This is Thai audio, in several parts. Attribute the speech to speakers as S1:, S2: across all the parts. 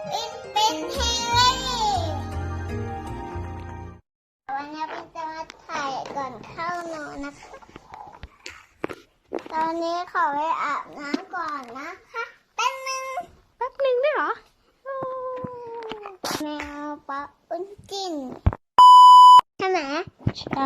S1: เป็นเฮเล่วันนี้เป็นจะมาถ่ายก่อนเข้านอนนะคะตอนนี้ขอไปอาบน้ำก่อนนะคะแป๊บนึงได้เหรอแมวปะอุ้นจินใช่ไหมใช่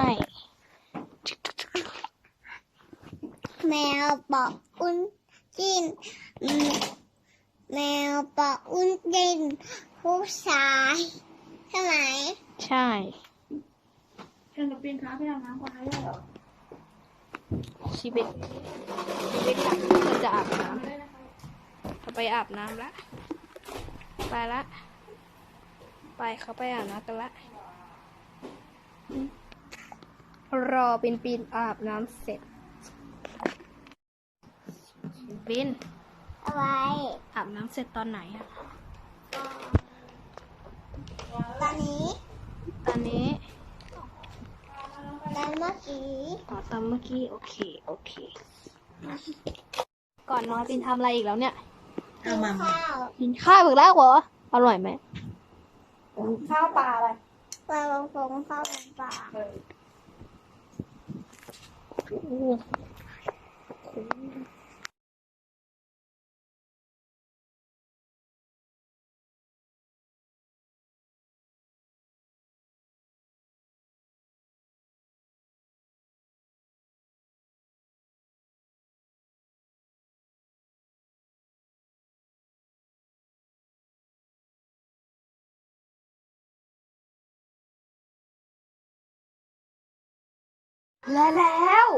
S1: แมวปะอุ้นจินแมวปะอุ้นจินผู้ชายใช่ไหมใช่
S2: เรื่องกับปีนค้าพี่อาบน้ำก่อนได้เหรอ
S1: ชีวิตมันจะอาบน้ำเขาไปอาบน้ำละไปละไปเขาไปอาบน้ำกันละรอปีนอาบน้ำเสร็จปีนอะไรอาบน้ำเสร็จตอนไหนอะตอนนี้ตอนเมื่อกี้ตอนเมื่อกี้โอเคก่อนนอนปีนทำอะไรอีกแล้วเนี่ย
S2: เอามา
S1: กินข้าวอีกแล้วเหรออร่อยไหม
S2: ข้าวปลาอะไร
S1: ปลาบงฟงข้าวปลาแล้ว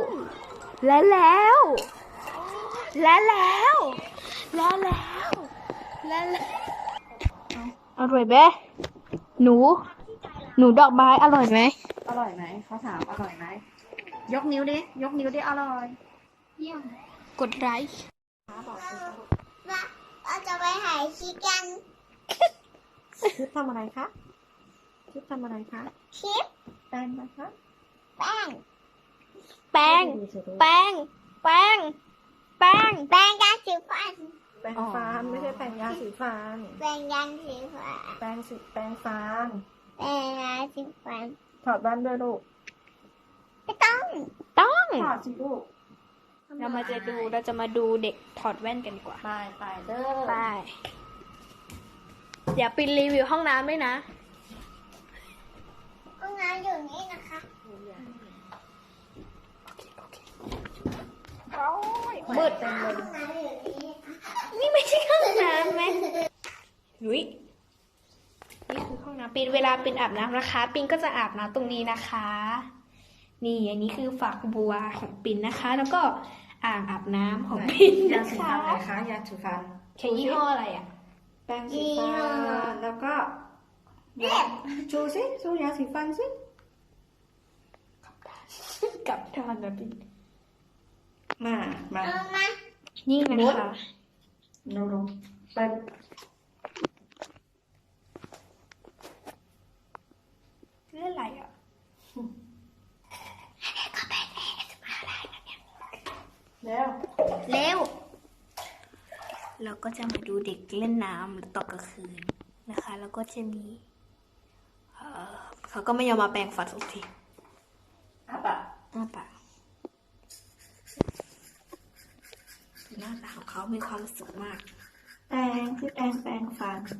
S1: อร่อยไหมหนูดอกไม้อร่อยไหม
S2: อร่อยไหมเขาถามอร่อยไหมยกนิ้วดิอร่อย
S1: เยี่ยมกดไลค์เราจะไปหายชีกัน
S2: ชิปทำอะไรคะชิปทำอะไรคะ
S1: ชิป
S2: แป้งนะคะ
S1: แป้งยาสีฟัน
S2: แป้งฟันไม่ใช่แป้งยาสีฟัน
S1: แป้งยาสีฟัน
S2: แป้งฟัน
S1: แป้งยาสีฟัน
S2: ถอดแว่นด้วยลูก
S1: ไม่ต้อง
S2: ถอดสิลูก
S1: เราจะมาดูเด็กถอดแว่นกันดีกว่า
S2: ไปเด้อ
S1: ไปเดี๋ยวปิดรีวิวห้องน้ำด้วยนะห้องน้ำอยู่นี่นะคะมืดนี่ไม่ใช่ห้องน้ำไหมนี่คือห้องน้ำปินเวลาปินอาบน้ำนะคะปินก็จะอาบน้ำตรงนี้นะคะนี่อันนี้คือฝักบัวของปินนะคะ แล้วก็อ่างอาบน้ำของปินนะคะ
S2: ยาสีฟัน
S1: ใช้ยี่ห้ออะไรอ่ะ
S2: แป้งสีฟันแล้วก็ชูยาสีฟันสิ
S1: กับทอนนะปิน
S2: มา
S1: นี่นะคะ
S2: ลงไป
S1: เรื่องอะไรอ่ะก็ไปจะมาอะไรกันเนี่ยเร็วเราก็จะมาดูเด็กเล่นน้ำตอนกลางคืนนะคะแล้วก็จะมีเขาก็ไม่ยอมมาแปรงฟันสักที
S2: อ้าปาก
S1: หน้าตาของเขามีความสุขมาก
S2: แปรงฟัน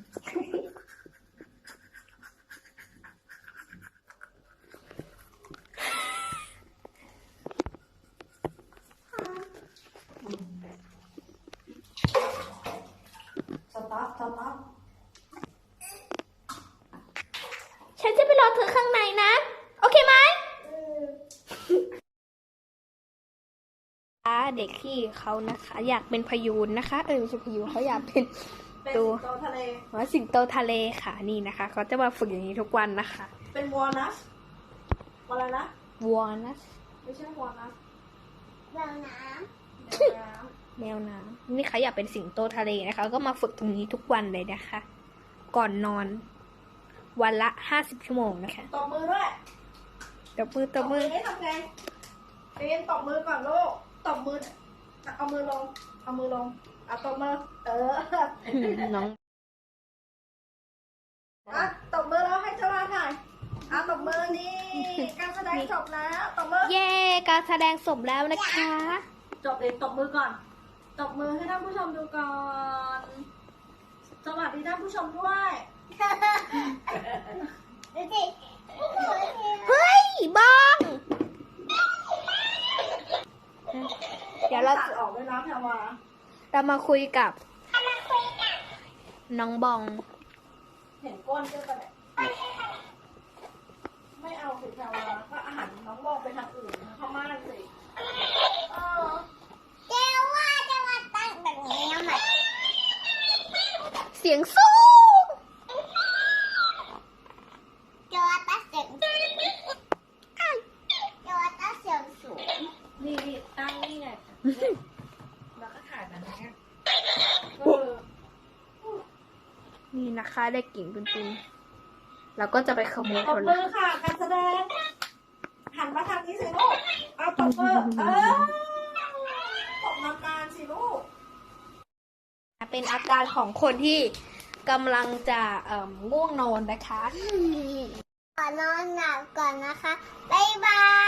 S2: สต๊อป
S1: ฉันจะไปรอเธอข้างในนะโอเคไหมเด็กที่เขานะคะอยากเป็นพยูนนะคะไม่ใช่พยูนเขาอยากเป็นตัว
S2: ทะเล
S1: สิงโตทะเลค่ะนี่นะคะเขาจะมาฝึกอย่างนี้ทุกวันนะคะ
S2: เป็นวอลนัสอะไรนะ
S1: วอลนัส
S2: ไม่ใช่วอลนัส
S1: แมวน้ำนี่เขาอยากเป็นสิงโตทะเลนะคะก็มาฝึกตรงนี้ทุกวันเลยนะคะ ก่อนนอนวันละ50 ชั่วโมงนะคะ
S2: ตบมือด้วย
S1: ตบมือ
S2: ให้ทำไงเป็นตบมือก่อนลูกตบมือเอามือลงเอาตบมือ
S1: น้อง
S2: อ่ะตบมือแล้วให้เจ้ามาถ่ายอ่ะตบมือนี่การแสดงจบแล้วตบมือ
S1: เย้การแสดงจบแล้วนะคะ
S2: จบเลยตบมือก่อนตบมือให้ท่านผู้ชมดูก่อน สวัสดีท่านผู้ชมด้วย
S3: ดูสิ
S1: เฮ้ยบ้องเดี๋ยวเรา
S2: ตัดออกด้วยนะแพรวา
S1: มาคุยกับน้องบอง
S2: เห็นก้นเจ้ากันเนี่ยไม่เอาสิแพรวาก็อาหารน้องมองไปทางอื่นพม่านสิเออ
S3: เจ้าว่าจะมาตั้งแบบนี้ทำไม
S1: เสียงสูง
S3: เจ้าว่าตั้งเสียงสูงเจ้าว่าตั้งเสียงสูง
S2: นี่ตั้งนี่ไงแล้วก็ถ่ายแบบนี้เออ
S1: นี่นะคะได้กลิ่นปุนๆเราก็จะไปขโมย
S2: ตบ
S1: เขา
S2: มื
S1: ละ
S2: อค่ะการแสดงหันมาทางนี้สิลูกเอาตบมือตบนานๆสิลูก
S1: เป็นอาการของคนที่กำลังจะง่วงนอนนะคะ
S3: ขอนอนหลับก่อนนะคะ บ๊ายบาย